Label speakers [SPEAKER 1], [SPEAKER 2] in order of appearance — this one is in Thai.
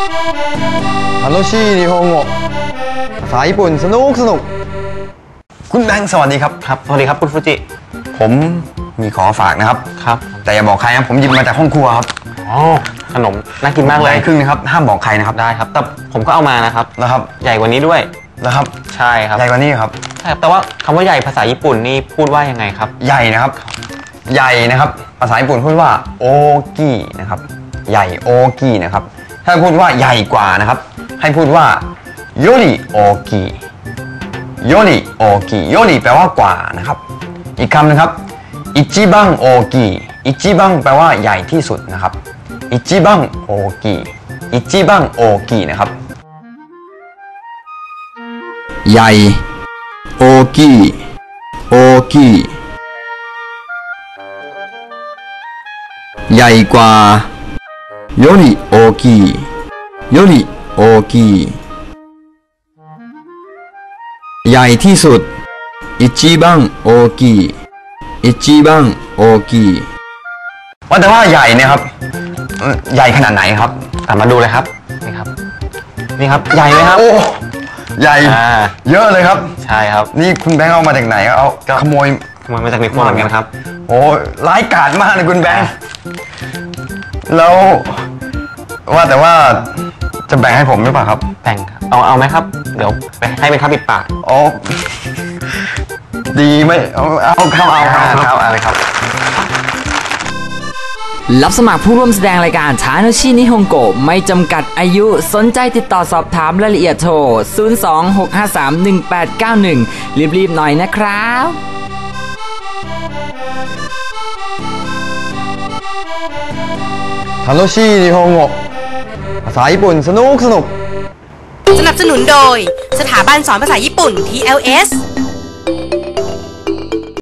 [SPEAKER 1] 楽しい日本語ภาษาญี่ปุ่นสนุกคุณแบงค์สวัสดีครับ
[SPEAKER 2] สวัสดีครับคุณฟูจิ
[SPEAKER 1] ผมมีของฝากนะครับแต่อย่าบอกใครนะผมหยิบมาจากห้องครัวครับ
[SPEAKER 2] ขนมน่ากินมากเลย
[SPEAKER 1] ใหญ่ครึ่งนะครับห้ามบอกใครนะครับ
[SPEAKER 2] ได้ครับแต่ผมก็เอามานะครับใหญ่กว่านี้ด้วย
[SPEAKER 1] นะครับ
[SPEAKER 2] ใช่ครับ
[SPEAKER 1] ใหญ่กว่านี้ครับ
[SPEAKER 2] ใช่แต่ว่าคำว่าใหญ่ภาษาญี่ปุ่นนี่พูดว่ายังไงครับ
[SPEAKER 1] ใหญ่นะครับใหญ่นะครับภาษาญี่ปุ่นพูดว่าโอกินะครับใหญ่โอกินะครับถ้าพูดว่าใหญ่กว่านะครับให้พูดว่าโยริโอกิโยริโอกิโยริแปลว่ากว่านะครับอีกคำนะครับอิจิบังโอกิอิจิบังแปลว่าใหญ่ที่สุดนะครับอิจิบังโอกิอิจิบังโอกินะครับใหญ่โอกิโอกิใหญ่กว่าโยริโอกิโยริโอกิใหญ่ที่สุดอิจิบังโอกิอิจิบังโอกิว่าแต่ว่าใหญ่เนี่ยครับใหญ่ขนาดไหนครับ
[SPEAKER 2] มาดูเลยครับนี่ครับใหญ่ไหมครับ
[SPEAKER 1] โอ้ใหญ่เยอะเลยครับ
[SPEAKER 2] ใช่ครับ
[SPEAKER 1] นี่คุณแบงค์เอามาจากไหนเอาขโมย
[SPEAKER 2] มาจากในครัวเหมือนกันครับ
[SPEAKER 1] โอ้ร้ายกาจมากเลยคุณแบงค์แล้วว่าแต่ว่าจะแบ่งให้ผมหรือเปล่าครับ
[SPEAKER 2] แบ่งครับเอาไหมครับเดี๋ยวไปให้เป็นข้าวปิดปาก
[SPEAKER 1] อ๋อดีไหมเอาครับ
[SPEAKER 2] อะไรครับ
[SPEAKER 3] รับสมัครผู้ร่วมแสดงรายการทาโนชินิฮงโกะไม่จำกัดอายุสนใจติดต่อสอบถามรายละเอียดโทร 026531891 รีบๆหน่อยนะครับ
[SPEAKER 1] 楽しい日本語ภาษาญี่ปุ่นสนุก
[SPEAKER 4] สนับสนุนโดยสถาบันสอนภาษาญี่ปุ่น TLS